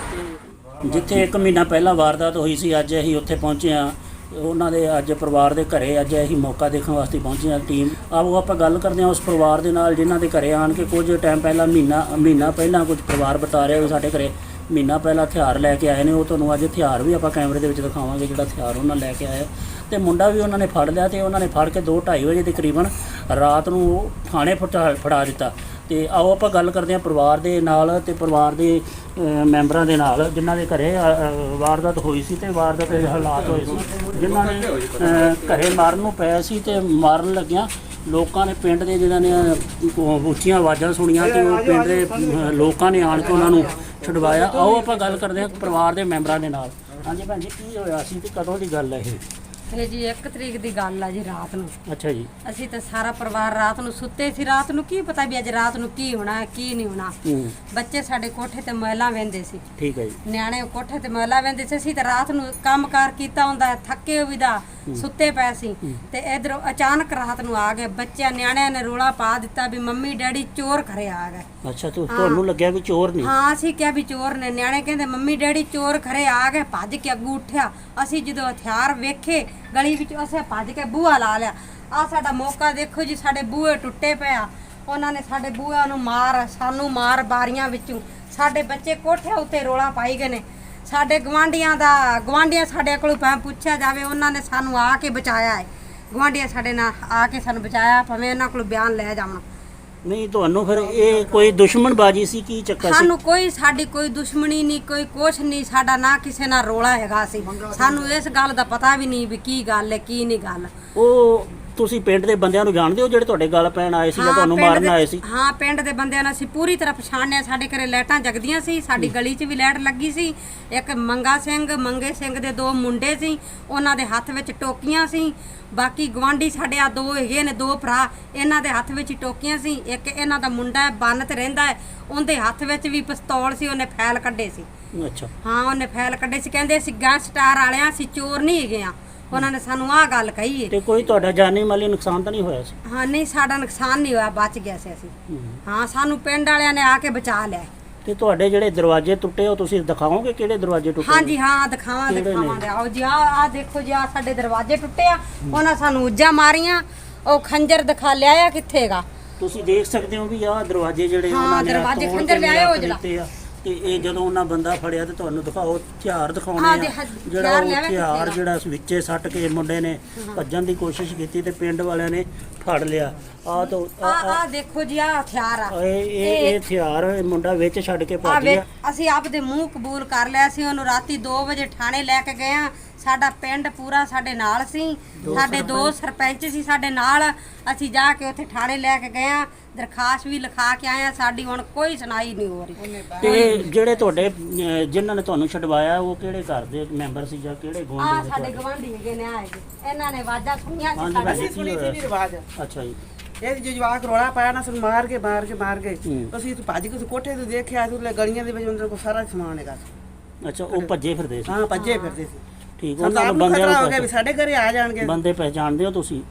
Speaker 5: ਤੇ ਜਿੱਥੇ ਇੱਕ ਮਹੀਨਾ ਪਹਿਲਾਂ ਵਾਰਦਾਤ ਹੋਈ ਸੀ, ਅੱਜ ਅਸੀਂ ਉੱਥੇ ਪਹੁੰਚੇ ਆ ਉਹਨਾਂ ਦੇ ਅੱਜ ਪਰਿਵਾਰ ਦੇ ਘਰੇ। ਅੱਜ ਅਸੀਂ ਮੌਕਾ ਦੇਖਣ ਵਾਸਤੇ ਪਹੁੰਚੇ ਆ ਟੀਮ। ਆਓ ਆਪਾਂ ਗੱਲ ਕਰਦੇ ਹਾਂ ਉਸ ਪਰਿਵਾਰ ਦੇ ਨਾਲ ਜਿਨ੍ਹਾਂ ਦੇ ਘਰੇ ਆਣ ਕੇ ਕੁਝ ਟਾਈਮ ਪਹਿਲਾਂ ਮਹੀਨਾ ਮਹੀਨਾ ਪਹਿਲਾਂ ਕੁਝ ਪਰਿਵਾਰ ਬਤਾ ਰਿਹਾ ਵੀ ਸਾਡੇ ਘਰੇ ਮਹੀਨਾ ਪਹਿਲਾਂ ਹਥਿਆਰ ਲੈ ਕੇ ਆਏ ਨੇ। ਉਹ ਤੁਹਾਨੂੰ ਅੱਜ ਹਥਿਆਰ ਵੀ ਆਪਾਂ ਕੈਮਰੇ ਦੇ ਵਿੱਚ ਦਿਖਾਵਾਂਗੇ ਜਿਹੜਾ ਹਥਿਆਰ ਉਹਨਾਂ ਲੈ ਕੇ ਆਏ। ਤੇ ਮੁੰਡਾ ਵੀ ਉਹਨਾਂ ਨੇ ਫੜ ਲਿਆ, ਤੇ ਉਹਨਾਂ ਨੇ ਫੜ ਕੇ ਦੋ ਢਾਈ ਵਜੇ ਦੇ ਕਰੀਬਨ ਰਾਤ ਨੂੰ ਉਹ ਥਾਣੇ ਫੜਾ ਫੜਾ ਦਿੱਤਾ। ਤੇ ਆਓ ਆਪਾਂ ਗੱਲ ਕਰਦੇ ਹਾਂ ਪਰਿਵਾਰ ਦੇ ਨਾਲ ਤੇ ਪਰਿਵਾਰ ਦੇ ਅ, ਮੈਂਬਰਾਂ ਦੇ ਨਾਲ ਜਿਨ੍ਹਾਂ ਦੇ ਘਰੇ ਅ, ਅ, ਵਾਰਦਾਤ ਹੋਈ ਸੀ ਤੇ ਵਾਰਦਾਤ ਦੇ ਹਾਲਾਤ ਹੋਏ ਸੀ, ਜਿਨ੍ਹਾਂ ਨੇ ਅ, ਘਰੇ ਮਾਰਨ ਨੂੰ ਪਏ ਸੀ ਤੇ ਮਾਰਨ ਲੱਗਿਆ ਲੋਕਾਂ ਨੇ ਪਿੰਡ ਦੇ ਜਿਨ੍ਹਾਂ ਨੇ ਅ, ਉੱਚੀਆਂ ਆਵਾਜ਼ਾਂ ਸੁਣੀਆਂ ਤੇ ਉਹ ਪਿੰਡ ਦੇ ਅ, ਲੋਕਾਂ ਨੇ ਆਣ ਕੇ ਉਹਨਾਂ ਨੂੰ ਛੁਡਵਾਇਆ। ਆਓ ਆਪਾਂ ਗੱਲ ਕਰਦੇ ਹਾਂ ਪਰਿਵਾਰ ਦੇ ਮੈਂਬਰਾਂ ਦੇ ਨਾਲ। ਹਾਂਜੀ ਭੈਣ ਜੀ, ਕੀ ਹੋਇਆ ਸੀ ਤੇ ਕਦੋਂ ਦੀ ਗੱਲ ਹੈ ਇਹ?
Speaker 4: ਇਹ ਜੀ ਇੱਕ ਤਰੀਕ ਦੀ ਗੱਲ ਆ ਜੀ ਰਾਤ ਨੂੰ।
Speaker 5: ਅੱਛਾ ਜੀ।
Speaker 4: ਅਸੀਂ ਤਾਂ ਸਾਰਾ ਪਰਿਵਾਰ ਰਾਤ ਨੂੰ ਸੁੱਤੇ ਸੀ। ਰਾਤ ਨੂੰ ਕੀ ਪਤਾ ਵੀ ਅੱਜ ਰਾਤ ਨੂੰ ਕੀ ਹੋਣਾ ਕੀ ਨਹੀਂ ਹੋਣਾ।
Speaker 5: ਹੂੰ
Speaker 4: ਬੱਚੇ ਸਾਡੇ ਕੋਠੇ ਤੇ ਮਹਿਲਾ ਵਹਿੰਦੇ ਸੀ,
Speaker 5: ਠੀਕ ਹੈ ਜੀ।
Speaker 4: ਨਿਆਣੇ ਕੋਠੇ ਤੇ ਮਹਿਲਾ ਵਹਿੰਦੇ ਸੀ। ਅਸੀਂ ਤਾਂ ਰਾਤ ਨੂੰ ਕੰਮਕਾਰ ਕੀਤਾ ਹੁੰਦਾ, ਥੱਕੇ ਵੀ ਦਾ ਸੁੱਤੇ ਪਏ ਸੀ। ਤੇ ਇਧਰੋਂ ਅਚਾਨਕ ਰਾਤ ਨੂੰ ਆ ਗਏ ਬੱਚਿਆਂ ਨਿਆਣਿਆਂ ਨੇ ਰੋਲਾ ਪਾ ਦਿੱਤਾ ਵੀ ਮੰਮੀ ਡੈਡੀ ਚੋਰ ਘਰੇ ਆ ਗਏ।
Speaker 5: ਅੱਛਾ ਤੁ- ਤੁਹਾਨੂੰ ਲੱਗਿਆ ਵੀ ਚੋਰ ਨਹੀਂ?
Speaker 4: ਹਾਂ ਅਸੀਂ ਕਿਹਾ ਵੀ ਚੋਰ ਨੇ। ਨਿਆਣੇ ਕਹਿੰਦੇ ਮੰਮੀ ਡੈਡੀ ਚੋਰ ਘਰੇ ਆ ਗਏ। ਭੱਜ ਕੇ ਅੱਗੂ ਉੱਠਿਆ। ਅਸੀਂ ਜਦੋਂ ਹਥਿਆਰ ਵੇਖੇ ਗਲੀ ਵਿੱਚ, ਅਸੀਂ ਭੱਜ ਕੇ ਬੂਹਾ ਲਾ ਲਿਆ। ਆ ਸਾਡਾ ਮੌਕਾ ਦੇਖੋ ਜੀ, ਸਾਡੇ ਬੂਹੇ ਟੁੱਟੇ ਪਿਆ। ਉਹਨਾਂ ਨੇ ਸਾਡੇ ਬੂਹਿਆਂ ਨੂੰ ਮਾਰ, ਸਾਨੂੰ ਮਾਰ ਬਾਰੀਆਂ ਵਿੱਚੋਂ। ਸਾਡੇ ਬੱਚੇ ਕੋਠੇ ਉੱਤੇ ਰੋਲਾ ਪਾਈ ਗਏ ਨੇ। ਸਾਡੇ ਗਵਾਂਢੀਆਂ ਦਾ ਗਵਾਂਢੀਆਂ ਸਾਡੇ ਕੋਲੋਂ ਭਾਵੇਂ ਪੁੱਛਿਆ ਜਾਵੇ, ਉਹਨਾਂ ਨੇ ਸਾਨੂੰ ਆ ਕੇ ਬਚਾਇਆ ਹੈ। ਗਵਾਂਢੀਆਂ ਸਾਡੇ ਨਾਲ ਆ ਕੇ ਸਾਨੂੰ ਬਚਾਇਆ, ਭਾਵੇਂ ਉਹਨਾਂ ਕੋਲੋਂ ਬਿਆਨ ਲੈ ਜਾਵਾਂ।
Speaker 5: ਨਹੀਂ ਤੁਹਾਨੂੰ ਫਿਰ ਇਹ ਕੋਈ ਦੁਸ਼ਮਣਬਾਜੀ ਸੀ, ਕੀ ਚੱਕਰ ਸੀ?
Speaker 4: ਸਾਨੂੰ ਕੋਈ ਸਾਡੀ ਕੋਈ ਦੁਸ਼ਮਣੀ ਨਹੀਂ, ਕੋਈ ਕੁਛ ਨਹੀਂ। ਸਾਡਾ ਨਾ ਕਿਸੇ ਨਾਲ ਰੋਲਾ ਹੈਗਾ ਸੀ। ਸਾਨੂੰ ਇਸ ਗੱਲ ਦਾ ਪਤਾ ਵੀ ਨਹੀਂ ਵੀ ਕੀ ਗੱਲ ਹੈ ਕੀ ਨਹੀਂ ਗੱਲ।
Speaker 5: ਉਹ ਤੁਸੀਂ ਪਿੰਡ ਦੇ ਬੰਦਿਆਂ ਨੂੰ ਜਾਣਦੇ ਹੋ ਜਿਹੜੇ ਤੁਹਾਡੇ ਗੱਲ ਪੈਣ ਆਏ ਸੀ ਜਾਂ ਤੁਹਾਨੂੰ
Speaker 4: ਪਿੰਡ
Speaker 5: ਮਾਰਨ
Speaker 4: ਦੇ-
Speaker 5: ਆਏ ਸੀ?
Speaker 4: ਹਾਂ ਪਿੰਡ ਦੇ ਬੰਦਿਆਂ ਨੂੰ ਅਸੀਂ ਪੂਰੀ ਤਰ੍ਹਾਂ ਪਛਾਣਿਆ। ਸਾਡੇ ਘਰੇ ਲਾਈਟਾਂ ਜਗਦੀਆਂ ਸੀ, ਸਾਡੀ ਗਲੀ 'ਚ ਵੀ ਲਾਈਟ ਲੱਗੀ ਸੀ। ਇੱਕ ਮੰਗਾ ਸਿੰਘ ਮੰਗੇ ਸਿੰਘ ਦੇ ਦੋ ਮੁੰਡੇ ਸੀ, ਉਹਨਾਂ ਦੇ ਹੱਥ ਵਿੱਚ ਟੋਕੀਆਂ ਸੀ। ਬਾਕੀ ਗਵਾਂਢੀ ਸਾਡੇ ਆ ਦੋ ਹੈਗੇ ਨੇ, ਦੋ ਭਰਾ, ਇਹਨਾਂ ਦੇ ਹੱਥ ਵਿੱਚ ਟੋਕੀਆਂ ਸੀ। ਇੱਕ ਇਹਨਾਂ ਦਾ ਮੁੰਡਾ ਹੈ, ਬੰਨ ਤੇ ਰਹਿੰਦਾ ਹੈ, ਉਹਦੇ ਹੱਥ ਵਿੱਚ ਵੀ ਪਿਸਤੌਲ ਸੀ, ਉਹਨੇ ਫੈਲ ਕੱਢੇ ਸੀ।
Speaker 5: ਅੱਛਾ।
Speaker 4: ਹਾਂ ਉਹਨੇ ਫੈਲ ਕੱਢੇ ਸੀ। ਕਹਿੰਦੇ ਅਸੀਂ ਗੈਂਗਸਟਰ ਵਾਲਿਆਂ, ਅਸੀਂ ਚੋਰ ਨਹੀਂ ਹੈਗੇ ਆ। ਉਹਨਾਂ ਨੇ ਸਾਨੂੰ ਆਹ ਗੱਲ ਕਹੀ ਹੈ।
Speaker 5: ਤੇ ਕੋਈ ਤੁਹਾਡਾ ਜਾਨੀ ਮਾਲੀ ਨੁਕਸਾਨ ਤਾਂ ਨਹੀਂ ਹੋਇਆ ਸੀ?
Speaker 4: ਹਾਂ ਨਹੀਂ ਸਾਡਾ ਨੁਕਸਾਨ ਨਹੀਂ ਹੋਇਆ, ਬਚ ਗਿਆ ਸੀ ਅਸੀਂ। ਹਾਂ ਸਾਨੂੰ ਪਿੰਡ ਵਾਲਿਆਂ ਨੇ ਆ ਕੇ ਬਚਾ ਲਿਆ।
Speaker 5: ਤੇ ਤੁਹਾਡੇ ਜਿਹੜੇ ਦਰਵਾਜ਼ੇ ਟੁੱਟੇ ਉਹ ਤੁਸੀਂ ਦਿਖਾਓਗੇ ਕਿਹੜੇ ਦਰਵਾਜ਼ੇ ਟੁੱਟੇ?
Speaker 4: ਹਾਂਜੀ ਹਾਂ ਦਿਖਾਵਾਂ
Speaker 5: ਕਿਹੜੇ ਨੇ?
Speaker 4: ਦਿਖਾਵਾਂਗੇ। ਆਓ ਜੀ ਆ ਆ ਦੇਖੋ ਜੀ, ਆ ਸਾਡੇ ਦਰਵਾਜ਼ੇ ਟੁੱਟੇ ਆ। ਉਹਨਾਂ ਸਾਨੂੰ ਉੱਜਾ ਮਾਰੀਆਂ। ਉਹ ਖੰਜਰ ਦਿਖਾ ਲਿਆਇਆ ਕਿੱਥੇਗਾ।
Speaker 5: ਤੁਸੀਂ ਦੇਖ ਸਕਦੇ ਹੋ ਵੀ ਆਹ ਦਰਵਾਜ਼ੇ ਜਿਹੜੇ
Speaker 4: ਹਾਂ,
Speaker 5: ਉਹਨਾਂ ਨੇ
Speaker 4: ਦਰਵਾਜ਼ੇ
Speaker 5: ਤੋੜ
Speaker 4: ਖੰਜਰ
Speaker 5: ਕੇ
Speaker 4: ਲਿਆਏ ਉਹ
Speaker 5: ਰੱਖ
Speaker 4: ਜਿਹੜਾ।
Speaker 5: ਦਿੱਤੇ ਆ। ਤੇ ਇਹ ਜਦੋਂ ਉਹਨਾਂ ਬੰਦਾ ਫੜਿਆ ਤੇ ਤੁਹਾਨੂੰ ਦਿਖਾਓ ਹਥਿਆਰ ਦਿਖਾਉਣੇ
Speaker 4: ਆਹ ਦੇ
Speaker 5: ਆ।
Speaker 4: ਹਥਿਆਰ
Speaker 5: ਜਿਹੜਾ ਉਹ
Speaker 4: ਲਿਆਵੇ
Speaker 5: ਹਥਿਆਰ
Speaker 4: ਕਿੱਥੇ
Speaker 5: ਜਿਹੜਾ ਵਿੱਚੇ ਸੱਟ ਕੇ ਮੁੰਡੇ ਨੇ ਭੱਜਣ ਦੀ ਕੋਸ਼ਿਸ਼ ਕੀਤੀ ਤੇ ਪਿੰਡ ਵਾਲਿਆਂ ਨੇ ਫੜ ਲਿਆ। ਆ ਤਾਂ
Speaker 4: ਆ ਆ ਦੇਖੋ ਜੀ ਆ ਹਥਿਆਰ ਆ।
Speaker 5: ਇਹ ਇਹ ਇਹ ਹਥਿਆਰ ਇਹ ਮੁੰਡਾ ਵਿੱਚ ਛੱਡ ਕੇ
Speaker 4: ਆ
Speaker 5: ਭੱਜ
Speaker 4: ਵੇ
Speaker 5: ਗਿਆ।
Speaker 4: ਅਸੀਂ ਆਪਦੇ ਮੂੰਹ ਕਬੂਲ ਕਰ ਲਿਆ ਸੀ। ਉਹਨੂੰ ਰਾਤੀ ਦੋ ਵਜੇ ਥਾਣੇ ਲੈ ਕੇ ਗਏ ਆ। ਸਾਡਾ ਪਿੰਡ ਪੂਰਾ ਸਾਡੇ ਨਾਲ ਸੀ। ਸਾਡੇ ਦੋ ਸਰਪੰਚ ਸੀ ਸਾਡੇ ਨਾਲ। ਅਸੀਂ ਜਾ ਕੇ ਉੱਥੇ ਥਾਣੇ ਲੈ ਕੇ ਗਏ ਆ, ਦਰਖਾਸਤ ਵੀ ਲਿਖਾ ਕੇ ਆਏ ਆ। ਸਾਡੀ ਹੁਣ ਕੋਈ ਸੁਣਾਈ ਨਹੀਂ ਹੋ ਰਹੀ।
Speaker 5: ਤੇ ਜਿਹੜੇ ਤੁਹਾਡੇ ਅਹ, ਜਿਨ੍ਹਾਂ ਨੇ ਤੁਹਾਨੂੰ ਛਡਵਾਇਆ ਉਹ ਕਿਹੜੇ ਘਰ ਦੇ ਮੈਂਬਰ ਸੀ ਜਾਂ ਕਿਹੜੇ
Speaker 4: ਆ
Speaker 5: ਗੁਆਂਢੀ ਦੇ
Speaker 4: ਸਾਡੇ
Speaker 5: ਤੁਹਾਡੇ?
Speaker 4: ਗਵਾਂਢੀ ਹੈਗੇ ਨੇ ਆਏ ਜੀ। ਇਹਨਾਂ ਨੇ ਆਵਾਜ਼ਾਂ ਸੁਣੀਆਂ ਸੀ
Speaker 5: ਹਾਂਜੀ
Speaker 4: ਸਾਡੇ।
Speaker 5: ਭਾਜੀ, ਕੀ ਹੋਇਆ?
Speaker 8: ਰਿਵਾਜ
Speaker 5: ਅੱਛਾ ਜੀ।
Speaker 8: ਇਹ ਜੋ ਜਵਾਕ ਰੋਲਾ ਪਾਇਆ ਨਾ ਸਾਨੂੰ ਮਾਰ ਕੇ ਮਾਰ ਕੇ ਮਾਰ ਕੇ
Speaker 5: ਹੂੰ।
Speaker 8: ਅਸੀਂ ਤੂੰ ਭੱਜ ਕੇ ਕੋਠੇ ਤੋਂ ਦੇਖਿਆ ਤੂੰ ਗਲੀਆਂ ਦੇ ਵਿੱਚ ਉਹਨਾਂ ਕੋਲ ਸਾਰਾ ਸਮਾਨ ਹੈਗਾ ਸੀ।
Speaker 5: ਅੱਛਾ ਉਹ ਭੱਜੇ ਫਿਰਦੇ ਸੀ?
Speaker 8: ਹਾਂ ਭੱਜੇ ਫਿਰਦੇ ਸੀ।
Speaker 5: ਠੀਕ।
Speaker 8: ਸਾਨੂੰ
Speaker 5: ਉਹਨਾਂ
Speaker 8: ਆਪ
Speaker 5: ਨੂੰ
Speaker 8: ਨੂੰ
Speaker 5: ਬੰਦਿਆਂ
Speaker 8: ਖਤਰਾ ਹੋ ਗਿਆ ਵੀ
Speaker 5: ਨੂੰ
Speaker 8: ਸਾਡੇ ਘਰੇ ਆ ਜਾਣਗੇ।
Speaker 5: ਬੰਦੇ ਪਹਿਚਾਣਦੇ ਹੋ ਤੁਸੀਂ?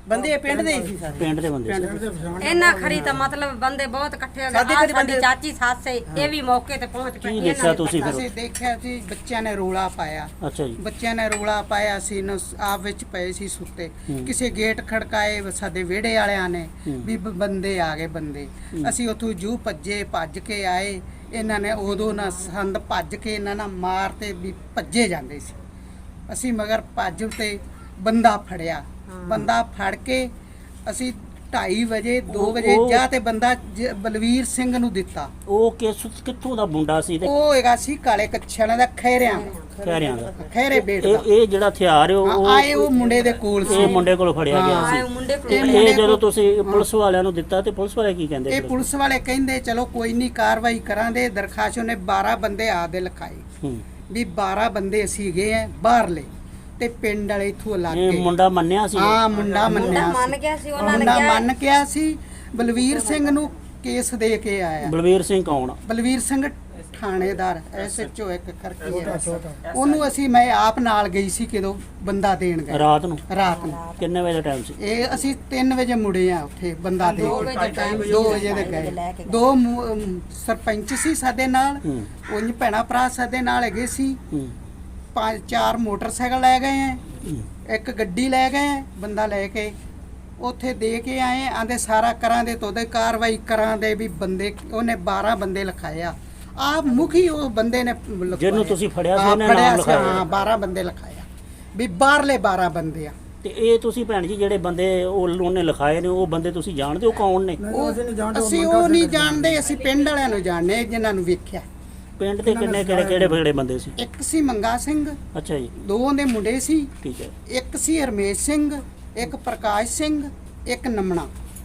Speaker 8: ਬੰਦੇ ਇਹ ਪਿੰਡ ਦੇ ਹੀ ਸੀ ਸਾਰੇ
Speaker 5: ਪਿੰਡ ਦੇ ਬੰਦੇ ਸੀ।
Speaker 4: ਇਹਨਾਂ ਖਰੀ ਤਾਂ ਮਤਲਬ ਬੰਦੇ ਬਹੁਤ ਇਕੱਠੇ ਹੋ ਗਏ
Speaker 8: ਸਾਡੇ
Speaker 4: ਆਹ
Speaker 8: ਘਰੇ
Speaker 4: ਸਾਡੀ
Speaker 8: ਬੰਦੇ-
Speaker 4: ਚਾਚੀ ਸੱਸ ਏ ਇਹ ਵੀ ਮੌਕੇ ਤੇ ਪਹੁੰਚ ਪਈ
Speaker 5: ਕੀ
Speaker 4: ਇਹਨਾਂ
Speaker 5: ਦੇਖਿਆ
Speaker 4: ਨੇ
Speaker 5: ਤੁਸੀਂ ਫਿਰ
Speaker 9: ਅਸੀਂ ਦੇਖਿਆ ਸੀ ਬੱਚਿਆਂ ਨੇ ਰੋਲਾ ਪਾਇਆ
Speaker 5: ਅੱਛਾ ਜੀ
Speaker 9: ਬੱਚਿਆਂ ਨੇ ਰੋਲਾ ਪਾਇਆ ਸੀ ਨ ਆਪ ਵਿੱਚ ਪਏ ਸੀ ਸੁੱਤੇ ਕਿਸੇ ਗੇਟ ਖੜਕਾਏ ਸਾਡੇ ਵਿਹੜੇ ਵਾਲਿਆਂ ਨੇ ਵੀ ਬ- ਬੰਦੇ ਆ ਗਏ ਬੰਦੇ ਅਸੀਂ ਉੱਥੋਂ ਜੂ ਭੱਜੇ ਭੱਜ ਕੇ ਆਏ ਇਹਨਾਂ ਨੇ ਉਦੋਂ ਨਾ ਸੰਦ ਭੱਜ ਕੇ ਇਹਨਾਂ ਨਾਲ ਮਾਰ ਤੇ ਵੀ ਭੱਜੇ ਜਾਂਦੇ ਸੀ ਅਸੀਂ ਮਗਰ ਭੱਜ ਤੇ ਬੰਦਾ ਫੜਿਆ ਬੰਦਾ ਫੜ ਕੇ ਅਸੀਂ ਢਾਈ ਵਜੇ ਦੋ ਵਜੇ
Speaker 5: ਉਹ-
Speaker 9: ਜਾ ਤੇ ਬੰਦਾ ਜ- ਬਲਵੀਰ ਸਿੰਘ ਨੂੰ ਦਿੱਤਾ
Speaker 5: ਉਹ ਕਿਸ ਕਿੱਥੋਂ ਦਾ ਮੁੰਡਾ ਸੀ ਤੇ
Speaker 9: ਉਹ ਹੈਗਾ ਸੀ ਕਾਲੇ ਕੱਛਿਆਂ ਦਾ ਖੈਰਿਆਂ ਦਾ
Speaker 5: ਖੈਰਿਆਂ ਦਾ
Speaker 9: ਖੈਰੇ ਬੇਟ
Speaker 5: ਇਹ
Speaker 9: ਦਾ
Speaker 5: ਇਹ ਜਿਹੜਾ ਹਥਿਆਰ ਹੈ
Speaker 9: ਹਾਂ,
Speaker 5: ਉਹ
Speaker 9: ਆਏ ਉਹ ਮੁੰਡੇ ਦੇ ਕੋਲ ਸੀ
Speaker 5: ਇਹ ਮੁੰਡੇ ਕੋਲ ਫੜਿਆ ਗਿਆ
Speaker 4: ਆਏ
Speaker 5: ਸੀ
Speaker 4: ਮੁੰਡੇ
Speaker 5: ਤੇ
Speaker 4: ਕੋਲ
Speaker 9: ਮੁੰਡੇ
Speaker 5: ਇਹ ਜਦੋਂ
Speaker 9: ਕੋਲ-
Speaker 5: ਤੁਸੀਂ ਪੁਲਿਸ ਵਾਲਿਆਂ ਨੂੰ ਦਿੱਤਾ ਤੇ ਪੁਲਿਸ ਵਾਲੇ ਕੀ ਕਹਿੰਦੇ
Speaker 9: ਇਹ
Speaker 5: ਫਿਰ?
Speaker 9: ਪੁਲਿਸ ਵਾਲੇ ਕਹਿੰਦੇ ਚਲੋ ਕੋਈ ਨਹੀਂ ਕਾਰਵਾਈ ਕਰਾਂਗੇ ਦਰਖਾਸਤ ਉਹਨੇ ਬਾਰਾਂ ਬੰਦੇ ਆਦੇ ਲਿਖਾਏ
Speaker 5: ਹੂੰ।
Speaker 9: ਵੀ ਬਾਰਾਂ ਬੰਦੇ ਅਸੀਂ ਗਏ ਆ ਬਾਹਰਲੇ ਤੇ ਪਿੰਡ ਵਾਲੇ ਇਥੋਂ ਲੱਗ
Speaker 5: ਇਹ
Speaker 9: ਗਏ
Speaker 5: ਮੁੰਡਾ ਮੰਨਿਆ ਸੀ
Speaker 9: ਹਾਂ ਮੁੰਡਾ
Speaker 4: ਮੁੰਡਾ
Speaker 9: ਮੰਨਿਆ
Speaker 4: ਮੰਨ
Speaker 9: ਸੀ
Speaker 4: ਗਿਆ ਸੀ ਉਹਨਾਂ ਨੇ
Speaker 9: ਮੁੰਡਾ
Speaker 4: ਕਿਹਾ
Speaker 9: ਮੰਨ ਗਿਆ ਸੀ ਬਲਵੀਰ ਸਿੰਘ ਨੂੰ ਕੇਸ ਦੇ ਕੇ ਆਇਆ
Speaker 5: ਬਲਵੀਰ ਸਿੰਘ ਕੌਣ
Speaker 9: ਬਲਵੀਰ ਸਿੰਘ ਥਾਣੇਦਾਰ ਐਸਐਚਓ ਇੱਕ ਕਰਕੇ ਹੈ। ਉਹਨੂੰ ਅਸੀਂ ਮੈਂ ਆਪ ਨਾਲ ਗਈ ਸੀ ਕਿਦੋਂ ਬੰਦਾ ਦੇਣ ਗਏ
Speaker 5: ਰਾਤ ਨੂੰ
Speaker 9: ਰਾਤ ਨੂੰ
Speaker 5: ਕਿੰਨੇ ਵਜੇ ਦਾ ਟਾਈਮ ਸੀ
Speaker 9: ਇਹ ਅਸੀਂ ਤਿੰਨ ਵਜੇ ਮੁੜੇ ਆ ਉੱਥੇ ਬੰਦਾ ਦੇ
Speaker 4: ਦੋ ਵਜੇ ਦਾ time ਸੀ,
Speaker 9: ਦੋ ਵਜੇ ਦੇ
Speaker 4: ਲੈ ਕੇ
Speaker 9: ਗਏ
Speaker 4: ਗਏ।
Speaker 9: ਦੋ ਮੁ- ਅਮ ਸਰਪੰਚ ਸੀ ਸਾਡੇ ਨਾਲ
Speaker 5: ਹੂੰ।
Speaker 9: ਉਂਝ ਭੈਣਾ ਭਰਾ ਸਾਡੇ ਨਾਲ ਹੈਗੇ ਸੀ
Speaker 5: ਹੂੰ।
Speaker 9: ਪੰਜ ਚਾਰ ਮੋਟਰਸਾਈਕਲ ਲੈ ਗਏ ਆ ਇੱਕ ਗੱਡੀ ਲੈ ਗਏ ਆ, ਬੰਦਾ ਲੈ ਕੇ ਉੱਥੇ ਦੇ ਕੇ ਆਏ ਆਂਦੇ ਸਾਰਾ ਕਰਾਂਦੇ ਤੋਂ ਉਹਦੇ ਕਾਰਵਾਈ ਕਰਾਂਦੇ ਵੀ ਬੰਦੇ ਉਹਨੇ ਬਾਰਾਂ ਬੰਦੇ ਲਿਖਾਏ ਆ ਆਪ ਮੁਖੀ ਉਹ ਬੰਦੇ ਨੇ ਲਿਖਵਾਏ।
Speaker 5: ਜਿਹਨੂੰ ਤੁਸੀਂ ਫੜਿਆ ਸੀ
Speaker 9: ਹਾਂ,
Speaker 5: ਉਹਨੇ
Speaker 9: ਫੜਿਆ
Speaker 5: ਨਾਮ
Speaker 9: ਸੀ,
Speaker 5: ਲਿਖਾਇਆ।
Speaker 9: ਹਾਂ ਬਾਰਾਂ ਬੰਦੇ ਲਿਖਾਇਆ ਵੀ ਬਾਹਰਲੇ ਬਾਰਾਂ ਬੰਦੇ ਆ
Speaker 5: ਤੇ ਇਹ ਤੁਸੀਂ ਭੈਣ ਜੀ ਜਿਹੜੇ ਬੰਦੇ ਉਹ ਉਹਨੇ ਲਿਖਾਏ ਨੇ ਉਹ ਬੰਦੇ ਤੁਸੀਂ ਜਾਣਦੇ ਹੋ ਕੌਣ ਨੇ
Speaker 9: ਉਹ ਅਸੀਂ ਉਹ ਨਹੀਂ ਜਾਣਦੇ ਅਸੀਂ ਪਿੰਡ ਵਾਲਿਆਂ ਨੂੰ ਜਾਣਦੇ ਜਿਨ੍ਹਾਂ ਨੂੰ ਵੇਖਿਆ
Speaker 5: ਪਿੰਡ ਦੇ ਕਿੰਨੇ ਕਿਹੜੇ ਕਿਹੜੇ ਕਿਹੜੇ ਬੰਦੇ ਸੀ
Speaker 9: ਇੱਕ ਸੀ ਮੰਗਾ ਸਿੰਘ
Speaker 5: ਅੱਛਾ ਜੀ
Speaker 9: ਦੋ ਦੇ ਮੁੰਡੇ ਸੀ
Speaker 5: ਠੀਕ ਹੈ
Speaker 9: ਇੱਕ ਸੀ ਹਰਮੇਸ਼ ਸਿੰਘ ਇੱਕ ਪ੍ਰਕਾਸ਼ ਸਿੰਘ ਇੱਕ ਨਮਣਾ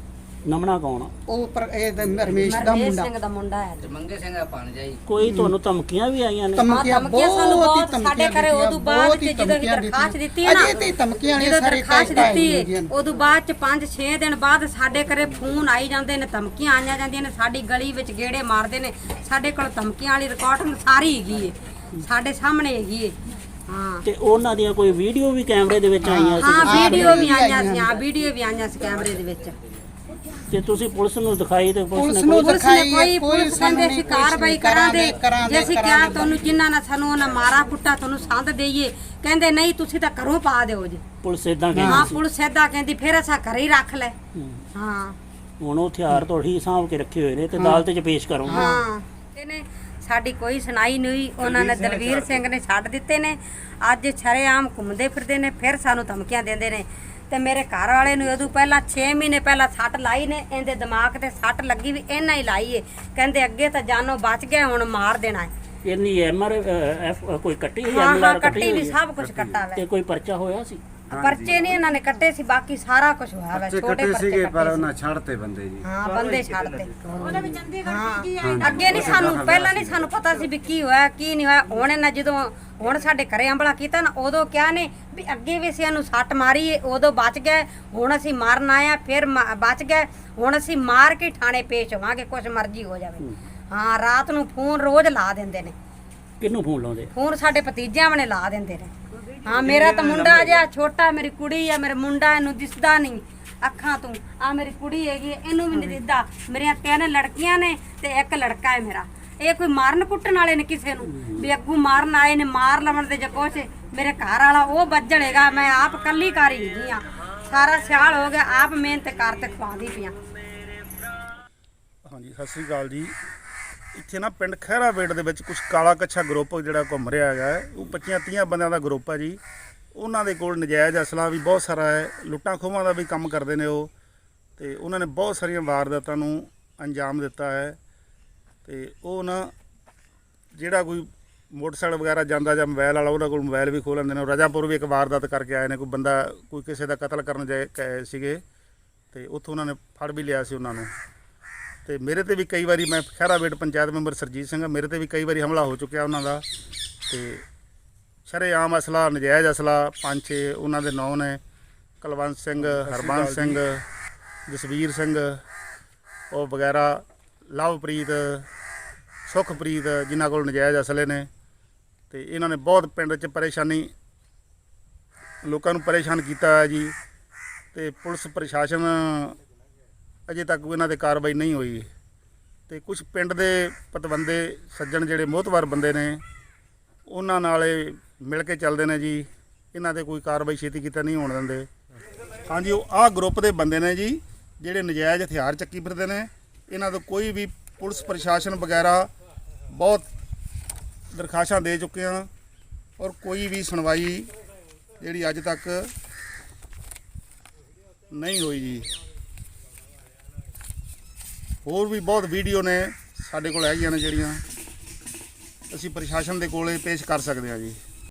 Speaker 5: ਨਮਣਾ ਕੌਣ ਆ?
Speaker 9: ਉਹ ਪਰ- ਇਹ ਤਾਂ ਰਮੇਸ਼ ਦਾ
Speaker 4: ਮਰਮੇਸ਼
Speaker 9: ਮੁੰਡਾ
Speaker 4: ਸਿੰਘ ਦਾ ਮੁੰਡਾ ਹੈ
Speaker 5: ਕੋਈ ਤੁਹਾਨੂੰ ਧਮਕੀਆਂ ਵੀ ਆਈਆਂ ਨੇ
Speaker 9: ਧਮਕੀਆਂ
Speaker 4: ਧਮਕੀਆਂ ਸਾਨੂੰ
Speaker 9: ਬਹੁਤ ਹੀ
Speaker 4: ਬਹੁਤ
Speaker 9: ਧਮਕੀਆਂ
Speaker 4: ਸਾਡੇ ਘਰੇ
Speaker 9: ਦਿੱਤੀਆਂ,
Speaker 4: ਉਦੋਂ ਬਾਅਦ
Speaker 9: ਬਹੁਤ ਹੀ
Speaker 4: ਚ ਜਦੋਂ ਅਸੀਂ
Speaker 9: ਧਮਕੀਆਂ
Speaker 4: ਦਰਖਾਸਤ
Speaker 9: ਦਿੱਤੀਆਂ।
Speaker 4: ਦਿੱਤੀ ਹੈ ਨਾ
Speaker 9: ਅਜੇ ਤੇ ਧਮਕੀਆਂ ਵਾਲੇ
Speaker 4: ਜਦੋਂ
Speaker 9: ਸਾਰੇ
Speaker 4: ਦਰਖਾਸਤ
Speaker 9: ਟਾਈਮ
Speaker 4: ਦਿੱਤੀ
Speaker 9: ਹੁੰਦੀਆਂ
Speaker 4: ਹੈ
Speaker 9: ਨੇ।
Speaker 4: ਉਦੋਂ ਬਾਅਦ ਚ ਪੰਜ ਛੇ ਦਿਨ ਬਾਅਦ ਸਾਡੇ ਘਰੇ ਫੋਨ ਆਈ ਜਾਂਦੇ ਨੇ ਧਮਕੀਆਂ ਆਈਆਂ ਜਾਂਦੀਆਂ ਨੇ ਸਾਡੀ ਗਲੀ ਵਿੱਚ ਗੇੜੇ ਮਾਰਦੇ ਨੇ ਸਾਡੇ ਕੋਲ ਧਮਕੀਆਂ ਵਾਲੀ ਰਿਕਾਰਡਿੰਗ ਸਾਰੀ ਹੈਗੀ ਹੈ ਸਾਡੇ ਸਾਹਮਣੇ ਹੈਗੀ ਹੈ ਹਾਂ
Speaker 5: ਤੇ ਉਹਨਾਂ ਦੀਆਂ ਕੋਈ ਵੀਡੀਓ ਵੀ ਕੈਮਰੇ ਦੇ ਵਿੱਚ ਆਈਆਂ ਸੀ
Speaker 4: ਹਾਂ
Speaker 9: ਹਾਂ,
Speaker 4: ਵੀਡੀਓ ਵੀ
Speaker 9: ਵੀਡੀਓ
Speaker 4: ਆਈਆਂ
Speaker 9: ਆਈਆਂ
Speaker 4: ਸੀ ਹਾਂ ਵੀਡੀਓ ਵੀ ਆਈਆਂ ਸੀ ਕੈਮਰੇ ਦੇ ਵਿੱਚ
Speaker 5: ਤੇ ਤੁਸੀਂ ਪੁਲਿਸ ਨੂੰ ਦਿਖਾਈ ਤੇ ਪੁਲਿਸ
Speaker 9: ਪੁਲਿਸ
Speaker 5: ਨੇ
Speaker 9: ਨੂੰ
Speaker 5: ਕੋਈ
Speaker 4: ਪੁਲਿਸ ਨੇ
Speaker 9: ਦਿਖਾਈ ਹੈ,
Speaker 4: ਕੋਈ
Speaker 9: ਕੋਈ
Speaker 4: ਪੁਲਿਸ ਕਹਿੰਦੇ
Speaker 9: ਸਾਨੂੰ
Speaker 4: ਅਸੀਂ
Speaker 9: ਨਹੀਂ,
Speaker 4: ਕਾਰਵਾਈ
Speaker 9: ਕਰਾਂਗੇ,
Speaker 4: ਕਰਾਂਗੇ
Speaker 9: ਕਰਾਂਗੇ,
Speaker 4: ਜੇ ਅਸੀਂ ਕਿਹਾ
Speaker 9: ਕਰਾਂਗੇ।
Speaker 4: ਤੁਹਾਨੂੰ ਜਿਨ੍ਹਾਂ ਨੇ ਸਾਨੂੰ ਉਹਨਾਂ ਮਾਰਾ ਕੁੱਟਾ ਤੁਹਾਨੂੰ ਸੰਦ ਦੇਈਏ ਕਹਿੰਦੇ ਨਹੀਂ ਤੁਸੀਂ ਤਾਂ ਘਰੋਂ ਪਾ ਦਿਓ ਜੀ
Speaker 5: ਪੁਲਿਸ ਇਦਾਂ
Speaker 4: ਹਾਂ
Speaker 5: ਕਹਿੰਦੀ ਸੀ
Speaker 4: ਪੁਲਿਸ ਏਦਾਂ ਕਹਿੰਦੀ ਫਿਰ ਅਸਾਂ ਘਰੇ ਹੀ ਰੱਖ ਲੈ ਹਾਂ
Speaker 5: ਹੁਣ ਉਹ ਹਥਿਆਰ ਤੁਹਾਡੀ ਸਾਂਭ ਕੇ ਰੱਖੇ ਹੋਏ ਨੇ ਤੇ ਅਦਾਲਤ 'ਚ ਪੇਸ਼ ਕਰੋਗੇ
Speaker 4: ਹਾਂ ਇਹਨੇ ਸਾਡੀ ਕੋਈ ਸੁਣਾਈ ਨਹੀਂ ਉਹਨਾਂ ਨੇ ਦਲਵੀਰ ਸਿੰਘ ਨੇ ਛੱਡ ਦਿੱਤੇ ਨੇ ਅੱਜ ਸ਼ਰੇਆਮ ਘੁੰਮਦੇ ਫਿਰਦੇ ਨੇ ਫਿਰ ਸਾਨੂੰ ਧਮਕੀਆਂ ਦਿੰਦੇ ਨੇ ਤੇ ਮੇਰੇ ਘਰ ਵਾਲੇ ਨੂੰ ਉਦੋਂ ਪਹਿਲਾਂ ਛੇ ਮਹੀਨੇ ਪਹਿਲਾਂ ਸੱਟ ਲਾਈ ਨੇ ਇਹਦੇ ਦਿਮਾਗ ਤੇ ਸੱਟ ਲੱਗੀ ਵੀ ਇਹਨਾਂ ਹੀ ਲਾਈ ਏ ਕਹਿੰਦੇ ਅੱਗੇ ਤਾਂ ਜਾਨੋਂ ਬਚ ਗਏ ਹੁਣ ਮਾਰ ਦੇਣਾ ਹੈ
Speaker 5: ਇੰਨੀ ਐਮਆਰ ਐਫ ਕੋਈ ਕੱਟੀ ਹੋਈ
Speaker 4: ਹਾਂ ਹਾਂ
Speaker 5: ਐਮਆਰ
Speaker 4: ਕੱਟੀ ਵੀ ਸਭ ਕੁਝ ਕੱਟਾ
Speaker 5: ਤੇ
Speaker 4: ਵੇ
Speaker 5: ਕੋਈ ਪਰਚਾ ਹੋਇਆ ਸੀ
Speaker 4: ਪਰਚੇ ਨਹੀਂ ਇਹਨਾਂ ਨੇ ਕੱਟੇ ਸੀ ਬਾਕੀ ਸਾਰਾ ਕੁਝ ਹੋਇਆ ਵੇ ਛੋਟੇ ਪਰਚੇ
Speaker 2: ਸੀਗੇ ਪਰ
Speaker 4: ਕੱਟੇ ਸੀ।
Speaker 2: ਉਹਨਾਂ ਛੱਡਤੇ ਬੰਦੇ ਜੀ
Speaker 4: ਹਾਂ ਬੰਦੇ ਛੱਡਦੇ ਹਾਂ ਅੱਗੇ ਨਹੀਂ ਸਾਨੂੰ ਪਹਿਲਾਂ ਨਹੀਂ ਸਾਨੂੰ ਪਤਾ ਸੀ ਵੀ ਕੀ ਹੋਇਆ ਕੀ ਨਹੀਂ ਹੋਇਆ ਹੁਣ ਇਹਨਾਂ ਜਦੋਂ ਹੁਣ ਸਾਡੇ ਘਰੇ ਅੰਬਲਾ ਕੀਤਾ ਨਾ ਉਦੋਂ ਕਿਹਾ ਨੇ ਵੀ ਅੱਗੇ ਵੀ ਅਸੀਂ ਇਹਨੂੰ ਸੱਟ ਮਾਰੀ ਏ, ਉਦੋਂ ਬਚ ਗਏ ਹੁਣ ਅਸੀਂ ਮਾਰਨ ਆਇਆ ਫਿਰ ਮ- ਬਚ ਗਏ ਹੁਣ ਅਸੀਂ ਮਾਰ ਕੇ ਥਾਣੇ ਪੇਸ਼ ਹੋਵਾਂਗੇ ਕੁਛ ਮਰਜ਼ੀ ਹੋ ਜਾਵੇ ਹਾਂ ਰਾਤ ਨੂੰ ਫੋਨ ਰੋਜ਼ ਲਾ ਦਿੰਦੇ ਨੇ
Speaker 5: ਕਿਹਨੂੰ ਫੋਨ ਲਾਉਂਦੇ
Speaker 4: ਫੋਨ ਸਾਡੇ ਭਤੀਜਿਆਂ ਨੇ ਲਾ ਦਿੰਦੇ ਨੇ ਹਾਂ ਮੇਰਾ ਤਾਂ ਮੁੰਡਾ ਜਿਹਾ ਛੋਟਾ ਮੇਰੀ ਕੁੜੀ ਆ ਮੇਰੇ ਮੁੰਡਾ ਇਹਨੂੰ ਦਿਸਦਾ ਨਹੀਂ ਅੱਖਾਂ ਤੋਂ ਆ ਮੇਰੀ ਕੁੜੀ ਹੈਗੀ ਇਹਨੂੰ ਵੀ ਨਹੀਂ ਦਿਸਦਾ ਮੇਰੀਆਂ ਤਿੰਨ ਲੜਕੀਆਂ ਨੇ ਤੇ ਇੱਕ ਲੜਕਾ ਹੈ ਮੇਰਾ ਇਹ ਕੋਈ ਮਾਰਨ ਕੁੱਟਣ ਵਾਲੇ ਨੇ ਕਿਸੇ ਨੂੰ ਵੀ ਅੱਗੂ ਮਾਰਨ ਆਏ ਨੇ ਮਾਰ ਲਵਣ ਦੇ ਜੇ ਕੁਛ ਮੇਰੇ ਘਰ ਵਾਲਾ ਉਹ ਵੱਜਣੇਗਾ ਮੈਂ ਆਪ ਕੱਲੀ ਕਾਰੀ ਹੈਗੀ ਆ ਸਾਰਾ ਸਿਆਲ ਹੋ ਗਿਆ ਆਪ ਮਿਹਨਤ ਕਰ ਤੇ ਖਵਾਉਂਦੀ ਪਿਆ
Speaker 10: ਹਾਂਜੀ ਸਤਿ ਸ੍ਰੀ ਅਕਾਲ ਜੀ ਇੱਥੇ ਨਾ ਪਿੰਡ ਖਹਿਰਾ ਵੇਟ ਦੇ ਵਿੱਚ ਕੁਝ ਕਾਲਾ ਕੱਛਾ ਗਰੁੱਪ ਜਿਹੜਾ ਘੁੰਮ ਰਿਹਾ ਹੈਗਾ ਹੈ, ਉਹ ਪੱਚੀਆਂ ਤੀਹਾਂ ਬੰਦਿਆਂ ਦਾ ਗਰੁੱਪ ਹੈ ਜੀ। ਉਹਨਾਂ ਦੇ ਕੋਲ ਨਜਾਇਜ਼ ਅਸਲਾ ਵੀ ਬਹੁਤ ਸਾਰਾ ਹੈ, ਲੁੱਟਾਂ ਖੋਹਾਂ ਦਾ ਵੀ ਕੰਮ ਕਰਦੇ ਨੇ ਉਹ, ਤੇ ਉਹਨਾਂ ਨੇ ਬਹੁਤ ਸਾਰੀਆਂ ਵਾਰਦਾਤਾਂ ਨੂੰ ਅੰਜਾਮ ਦਿੱਤਾ ਹੈ। ਤੇ ਉਹ ਨਾ ਜਿਹੜਾ ਕੋਈ ਮੋਟਰਸਾਈਕਲ ਵਗੈਰਾ ਜਾਂਦਾ ਜਾਂ ਮੋਬਾਈਲ ਵਾਲਾ ਉਹਨਾਂ ਕੋਲ ਮੋਬਾਈਲ ਵੀ ਖੋਹ ਲੈਂਦੇ ਨੇ। ਰਜਾਪੁਰ ਵੀ ਇੱਕ ਵਾਰਦਾਤ ਕਰਕੇ ਆਏ ਨੇ, ਕੋਈ ਬੰਦਾ ਕੋਈ ਕਿਸੇ ਦਾ ਕਤਲ ਕਰਨ ਜਾਏ ਗਏ ਸੀਗੇ ਤੇ ਉੱਥੋਂ ਉਹਨਾਂ ਨੇ ਫੜ ਵੀ ਲਿਆ ਸੀ ਉਹਨਾਂ ਨੂੰ। ਤੇ ਮੇਰੇ ਤੇ ਵੀ ਕਈ ਵਾਰੀ ਮੈਂ ਖਹਿਰਾ ਵੇਟ ਪੰਚਾਇਤ ਮੈਂਬਰ ਸਰਜੀਤ ਸਿੰਘ ਮੇਰੇ ਤੇ ਵੀ ਕਈ ਵਾਰੀ ਹਮਲਾ ਹੋ ਚੁੱਕਿਆ ਉਹਨਾਂ ਦਾ। ਤੇ ਸ਼ਰੇਆਮ ਅਸਲਾ ਨਜਾਇਜ਼ ਅਸਲਾ ਪੰਜ ਛੇ ਉਹਨਾਂ ਦੇ ਨਾਂ ਨੇ, ਕੁਲਵੰਤ ਸਿੰਘ, ਹਰਬੰਸ ਸਿੰਘ, ਜਸਵੀਰ ਸਿੰਘ ਉਹ ਵਗੈਰਾ, ਲਵਪ੍ਰੀਤ, ਸੁਖਪ੍ਰੀਤ, ਜਿਨ੍ਹਾਂ ਕੋਲ ਨਜਾਇਜ਼ ਅਸਲੇ ਨੇ। ਤੇ ਇਹਨਾਂ ਨੇ ਬਹੁਤ ਪਿੰਡ 'ਚ ਪਰੇਸ਼ਾਨੀ ਲੋਕਾਂ ਨੂੰ ਪਰੇਸ਼ਾਨ ਕੀਤਾ ਹੈ ਜੀ। ਤੇ ਪੁਲਿਸ ਪ੍ਰਸ਼ਾਸਨ ਅਜੇ ਤੱਕ ਇਹਨਾਂ ਤੇ ਕਾਰਵਾਈ ਨਹੀਂ ਹੋਈ ਤੇ ਕੁਝ ਪਿੰਡ ਦੇ ਪਤਵੰਦੇ ਸੱਜਣ ਜਿਹੜੇ ਮੋਹਤਵਾਰ ਬੰਦੇ ਨੇ ਉਹਨਾਂ ਨਾਲ ਇਹ ਮਿਲ ਕੇ ਚੱਲਦੇ ਨੇ ਜੀ। ਇਹਨਾਂ ਤੇ ਕੋਈ ਕਾਰਵਾਈ ਛੇਤੀ ਕੀਤਾ ਨਹੀਂ ਹੋਣ ਦਿੰਦੇ। ਹਾਂਜੀ, ਉਹ ਆਹ ਗਰੁੱਪ ਦੇ ਬੰਦੇ ਨੇ ਜੀ ਜਿਹੜੇ ਨਜਾਇਜ਼ ਹਥਿਆਰ ਚੱਕੀ ਫਿਰਦੇ ਨੇ। ਇਹਨਾਂ ਤੋਂ ਕੋਈ ਵੀ ਪੁਲਿਸ ਪ੍ਰਸ਼ਾਸਨ ਵਗੈਰਾ ਬਹੁਤ ਦਰਖਾਸ਼ਾਂ ਦੇ ਚੁੱਕੇ ਹਾਂ ਔਰ ਕੋਈ ਵੀ ਸੁਣਵਾਈ ਜਿਹੜੀ ਅੱਜ ਤੱਕ ਨਹੀਂ ਹੋਈ ਜੀ। ਹੋਰ ਵੀ ਬਹੁਤ ਵੀਡੀਓ ਨੇ ਸਾਡੇ ਕੋਲ ਹੈਗੀਆਂ ਨੇ ਜਿਹੜੀਆਂ ਅਸੀਂ ਪ੍ਰਸ਼ਾਸਨ ਦੇ ਕੋਲੇ ਪੇਸ਼ ਕਰ ਸਕਦੇ ਹਾਂ ਜੀ।